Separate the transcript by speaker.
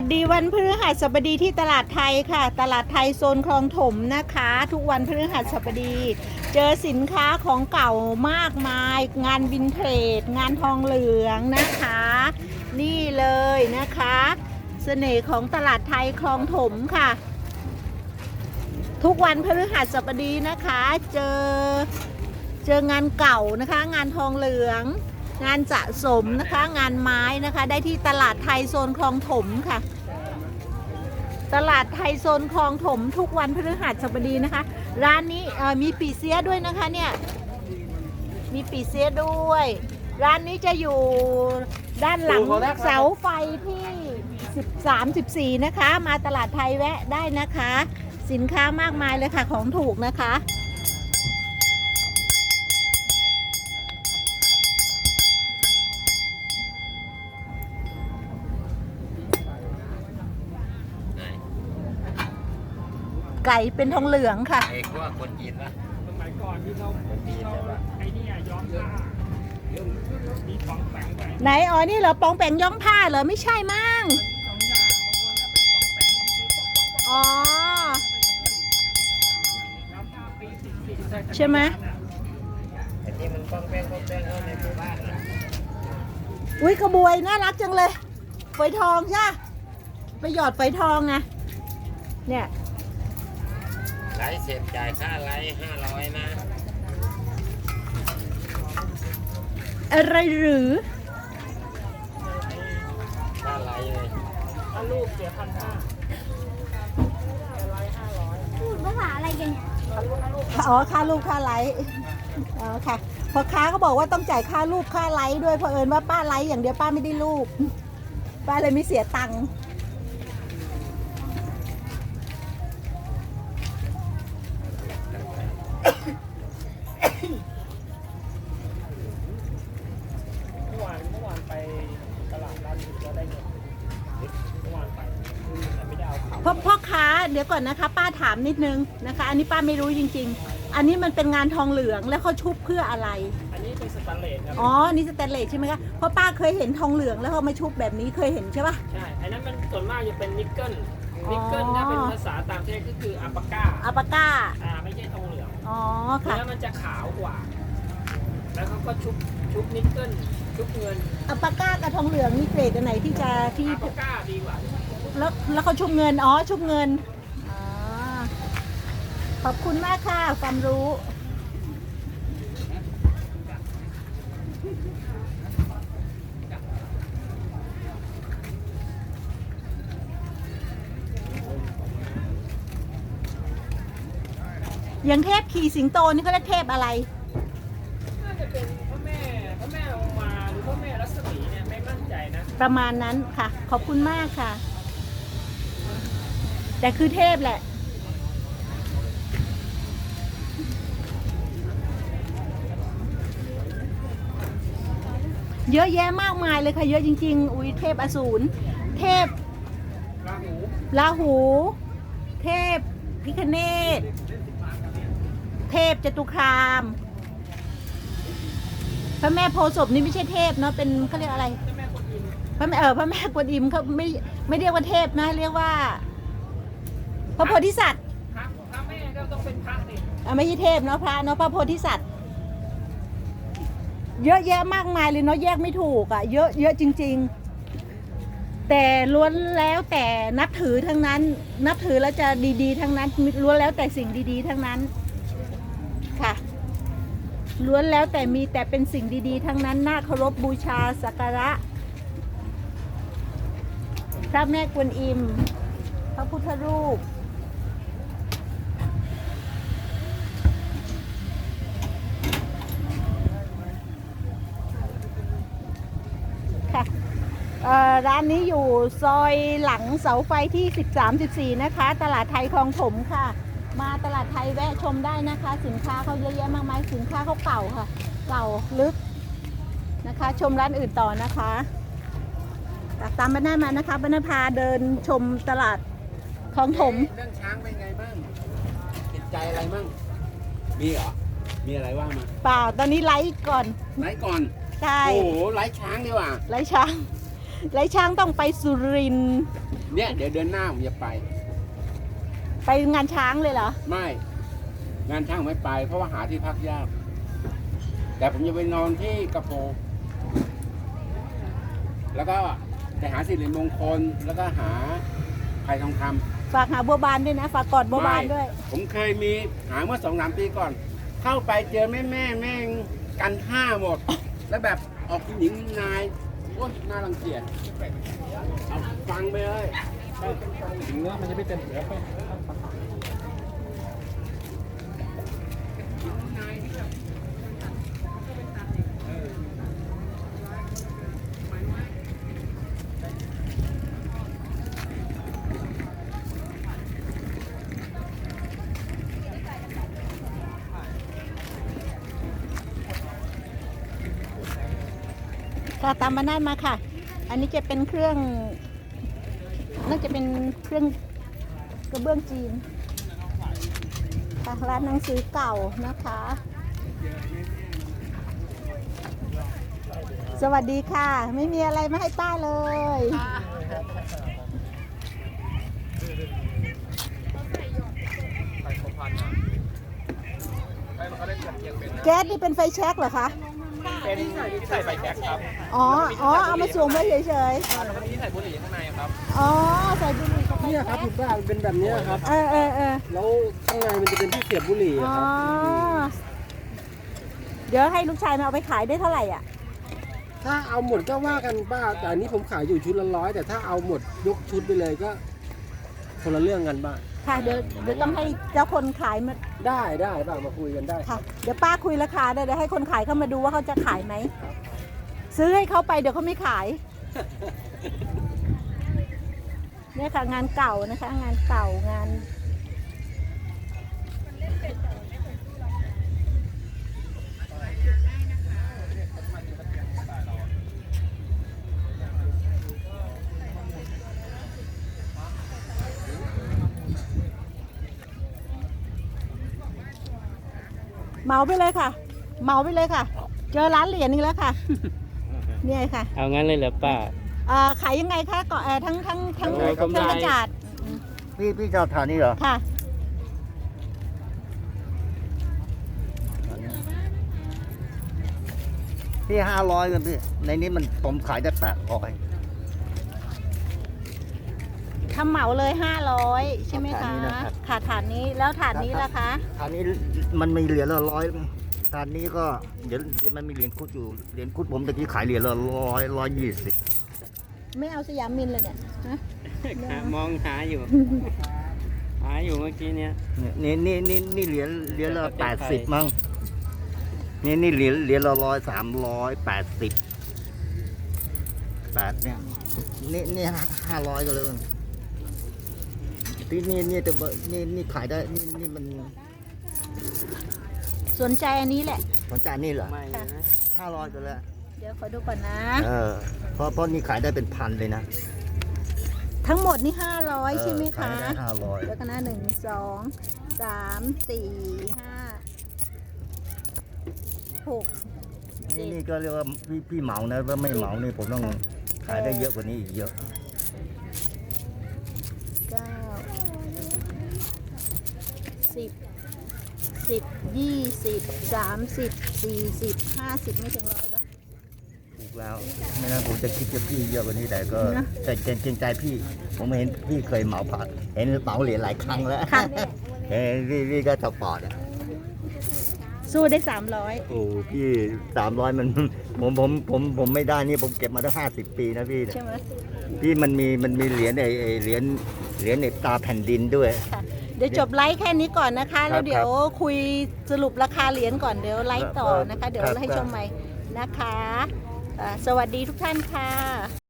Speaker 1: ดีวันพฤหัสบดีที่ตลาดไทยค่ะตลาดไทยโซนคลองถมนะคะทุกวันพฤหัสบดีเจอสินค้าของเก่ามากมายงานวินเทจงานทองเหลืองนะคะนี่เลยนะคะเสน่ห์ของตลาดไทยคลองถมค่ะทุกวันพฤหัสบดีนะคะเจองานเก่านะคะงานทองเหลืองงานสะสมนะคะงานไม้นะคะได้ที่ตลาดไทยโซนคลองถมค่ะตลาดไทยโซนคลองถมทุกวันพฤหัสบดีนะคะร้านนี้มีปีเสียด้วยนะคะเนี่ยมีปีเสียด้วยร้านนี้จะอยู่ด้านหลังเสาไฟที่13-14นะคะมาตลาดไทยแวะได้นะคะสินค้ามากมายเลยค่ะของถูกนะคะไก่เป็นทองเหลืองค่ะ
Speaker 2: ไอ้พวกคนจีนปะ
Speaker 3: สมัยก่อนที่เขาไอ้นี่ย้อมผ้ามีของแปงไป
Speaker 1: ไหนอ๋อนี่เหรอปองแปงย้อมผ้าเหรอไม่ใช่มั้ง
Speaker 3: สองอย่างบางคนก็เป็นของแปงจริงๆ
Speaker 1: อ๋อ
Speaker 3: ย้อมผ้าปี40
Speaker 1: ใช่ไหม
Speaker 2: ไอ้ที่มันป้องแป้งเข้าในหมู่บ้านน่ะ
Speaker 1: อุ้ยกระบวยน่ารักจังเลยฝอยทองใช่ไปหยอดฝอยทองไงเนี่ย
Speaker 2: ไลฟ์เสร็จจ่ายค่าไลฟ์500นะ
Speaker 1: อะไรหรือ
Speaker 2: ค่าไลฟ์เลย
Speaker 3: ถ้าลูกเสีย1,500ไลฟ์500
Speaker 4: พูดภาษาอะไรกันเนี่ย
Speaker 1: อ๋อค่าลูกค่าไลฟ์อ๋อค่ะพอค้าก็บอกว่าต้องจ่ายค่าลูกค่าไลฟ์ด้วยเพราะเอิญว่าป้าไลฟ์อย่างเดียวป้าไม่ได้ลูกป้าเลยไม่เสียตังค์
Speaker 3: เมื่อวานไปตลาดร้านก็ได้เงินเมื่อวานไปแต่ไม่ได้เอาเขา
Speaker 1: พ่อค้าเดี๋ยวก่อนนะคะป้าถามนิดนึงนะคะอันนี้ป้าไม่รู้จริงๆอันนี้มันเป็นงานทองเหลืองแล้วเขาชุบเพื่ออะไร
Speaker 3: อันนี้เป็นสแตนเลสครับ
Speaker 1: อ๋อนี่สแตนเลสใช่ไหมคะเพราะป้าเคยเห็นทองเหลืองแล้วเขามาชุบแบบนี้เคยเห็นใช่ปะ
Speaker 3: ใช่อันนั้นมันส่วนมากจะเป็นนิกเกิลถ้าเป็นภาษาต่างประเทศก็คืออัปปาก้าไม่ใช่ทองเหลือง
Speaker 1: อ๋อค่ะ
Speaker 3: แล้วมันจะขาวกว่าแล้วเขาก็ชุบนิกเกิลชุบเงิน
Speaker 1: อัปปาก้ากับทองเหลืองนี่เกรดอันไหนที่
Speaker 3: อัปปาก้าดีกว่า
Speaker 1: แล้วเขาชุบเงินอ๋อชุบเงินอ๋อขอบคุณมากค่ะความรู้อย่างเทพขี่สิงโตนี่เขาเรียกเทพอะไร
Speaker 3: น่าจะเป็นพระแม่ลงมาหรือพระแม่รัศมีเนี่ยไม่มั่นใจนะ
Speaker 1: ประมาณนั้นค่ะขอบคุณมากค่ะแต่คือเทพแหละเยอะแยะมากมายเลยค่ะเยอะจริงๆอุ้ยเทพอสูรเทพราหูเทพพิฆเนศเทพจตุคามพระแม่โพธิ์ศพนี่ไม่ใช่เทพเนาะเป็นเขาเรียกอะไรพระแม่กวนอิมเขาไม่เรียกว่าเทพนะเรียกว่าพระโพธิสัตว์
Speaker 3: พระแม่ก็ต้องเป็นพระนี่
Speaker 1: ไม่ใช่เทพเนาะพระเนาะพระโพธิสัตว์เยอะแยะมากมายเลยเนาะแยกไม่ถูกอ่ะเยอะจริงๆแต่ล้วนแล้วแต่นับถือทั้งนั้นนับถือแล้วจะดีๆทั้งนั้นล้วนแล้วแต่สิ่งดีๆทั้งนั้นค่ะล้วนแล้วแต่มีแต่เป็นสิ่งดีๆทั้งนั้นน่าเคารพบูชาสักการะพระแม่กวนอิมพระพุทธรูปค่ะร้านนี้อยู่ซอยหลังเสาไฟที่13-14นะคะตลาดไทยคลองถมค่ะมาตลาดไทยแวะชมได้นะคะสินค้าเขาเยอะแยะมากมายสินค้าเขาเก่าค่ะเก่าลึกนะคะชมร้านอื่นต่อนะคะตามบ้านหน้ามานะคะบ้านหน้าพาเดินชมตลาดคลองถม
Speaker 2: เรื่องช้างเป็นไงบ้างติดใจอะไรบ้างมีเหรอมีอะไรว่ามา
Speaker 1: เปล่าตอนนี้ไลฟ์ก่อน
Speaker 2: ใช่โอ้โหไลฟ์ช้างดีกว่า
Speaker 1: ไลฟ์ช้างต้องไปสุรินทร์
Speaker 2: เนี่ยเดี๋ยวเดือนหน้าผมจะไป
Speaker 1: ไปงานช้างเลยเหรอ
Speaker 2: ไม่ งานช่างไม่ไป เพราะว่าหาที่พักยาก แต่ผมจะไปนอนที่กระโปรงแล้วก็ไปหาสิริมงคลแล้วก็หาไผ่ทองคำ
Speaker 1: ฝากหาบัวบานด้วยนะ ฝากกอดบัวบานด้วย
Speaker 2: ผมเคยมีหาเมื่อ2-3 ปีก่อน เข้าไปเจอแม่งกันท่าหมด แล้วแบบออกหญิงนายโอ้ยน่ารังเกียจเอาฟังไปเลย
Speaker 3: ถึงเนื้อมันจะไม่เต็มเนื้อไป
Speaker 1: ค่ะตามมานาดมาค่ะ อันนี้จะเป็นเครื่องน่าจะเป็นเครื่องกระเบื้องจีนค่ะร้านหนังสือเก่านะคะ สวัสดีค่ะ ไม่มีอะไรมาให้ป้าเลย
Speaker 3: ไปครบพันอ่ะไปมันก็ได้เปรียบเทียบเป็นนะ
Speaker 1: แก๊สนี่เป็นไฟแช็กเหรอคะ
Speaker 3: เป็นที่ใส่ไฟแช็กครับ
Speaker 1: อ๋อเอามาสวมไว้เฉย
Speaker 3: แล้วก็ที่ใส่บุหรี่ข้างในครับ
Speaker 1: ๆ อ๋อ ใส่บุหรี่เข้าไป
Speaker 4: เนี่ยครับคุณป้ามันเป็นแบบเนี้ยครับ
Speaker 1: เออ
Speaker 4: แล้วข้างในมันจะเป็นที่เสียบบุหรี่
Speaker 1: อ๋
Speaker 4: อะ
Speaker 1: อ
Speaker 4: ครับ
Speaker 1: เดี๋ยวให้ลูกชายมาเอาไปขายได้เท่าไหร่อ่ะ
Speaker 4: ถ้าเอาหมดก็ว่ากันป้า แต่อันนี้ผมขายอยู่ชุดละ100แต่ถ้าเอาหมดยกชุดไปเลยก็คนละเรื่องกันป้า
Speaker 1: ค่ะ เดี๋ยวต้องให้เจ้าคนขายมา
Speaker 4: ได้ป้ามาคุยกันได้
Speaker 1: ค่ะ เดี๋ยวป้าคุยราคาได้เดี๋ยวให้คนขายเข้ามาดูว่าเขาจะขายไหม ซื้อให้เขาไปเดี๋ยวเขาไม่ขาย เนี่ยค่ะงานเก่านะคะ งานเก่างานเหมาไปเลยค่ะ เหมาไปเลยค่ะ เจอร้านเหรียญนี่แล้วค่ะ เนี่ยค่ะ
Speaker 3: เอางั้นเลยเหรอป้า
Speaker 1: ขายยังไงคะก่อนทั้งเครื่อง
Speaker 3: โอ้ยกำไร
Speaker 1: กระจาด
Speaker 5: พี่จะทานนี่เหรอ
Speaker 1: ค่ะ
Speaker 5: พี่500กันพี่ ในนี้มันผมขายได้800
Speaker 1: ทำเหมาเลย500ใช่ไหม
Speaker 5: ฐา
Speaker 1: คะ
Speaker 5: นนี้นะครับ
Speaker 1: ค่ะฐานนี้แล้วฐานนี้ล่ะคะ
Speaker 5: ฐานนี้มันมีเหรียญละ100ฐานนี้ก็เดี๋ยวมันมีเหรียญคุดอยู่เหรียญคุดผมตะกี้ขายเหรียญละ100 120
Speaker 1: ไม่เอาสยามมินเลยเนี่ยฮะ
Speaker 3: มองหาอยู่ หาอยู่เมื่อกี้เนี้ย
Speaker 5: นี่เหรียญละ80มั้งนี่เหรียญละ100 380 8เนี่ยนี่500ก็เลยนี่แต่นี่ขายได้นี่มัน
Speaker 1: สนใจอันนี้แหละ
Speaker 5: สนใจนี่เหรอ
Speaker 3: ไม่นะ
Speaker 5: 500ก็แล้ว
Speaker 1: เดี๋ยวขอดูก่อนนะ
Speaker 5: เพราะนี่ขายได้เป็นพันเลยนะ
Speaker 1: ทั้งหมดนี่500ใช่ไหม
Speaker 5: ขาย
Speaker 1: คะ
Speaker 5: ได้500
Speaker 1: แล้วก็นะ1 2 3 4 5 6
Speaker 5: นี่ก็เรียกว่าพี่เหมานะถ้าไม่เหมานี่ผมต้องขายได้เยอะกว่านี้อีกเยอะ
Speaker 1: 9 10 10 20 30 40 50ไม่ถึง100ป่ะ
Speaker 5: ถูกแล้ว ไม่งั้นผมจะคิดกับพี่เยอะกว่านี้แต่ก็
Speaker 1: นะ
Speaker 5: แต่เกรงใจพี่ ผมเห็นพี่เคยเหมาผักเห็นเหมาเหรียญหลายครั้งแล้ว
Speaker 1: ค่ะ
Speaker 5: เฮ้ยพี่ก็สปอร์ตอ่ะ
Speaker 1: สู้ได้300
Speaker 5: โอ้พี่300มันผมไม่ได้นี่ผมเก็บมาได้50 ปีนะพี่เนี่ย
Speaker 1: ใช่ไหม
Speaker 5: พี่มันมีเหรียญไอ้เหรียญในตาแผ่นดินด้วย
Speaker 1: ค่ะ เดี๋ยวจบไลฟ์แค่นี้ก่อนนะคะ แล้วเดี๋ยวคุยสรุปราคาเหรียญก่อนเดี๋ยวไลฟ์ต่อนะคะ เดี๋ยวให้ชมใหม่นะคะสวัสดีทุกท่านค่ะ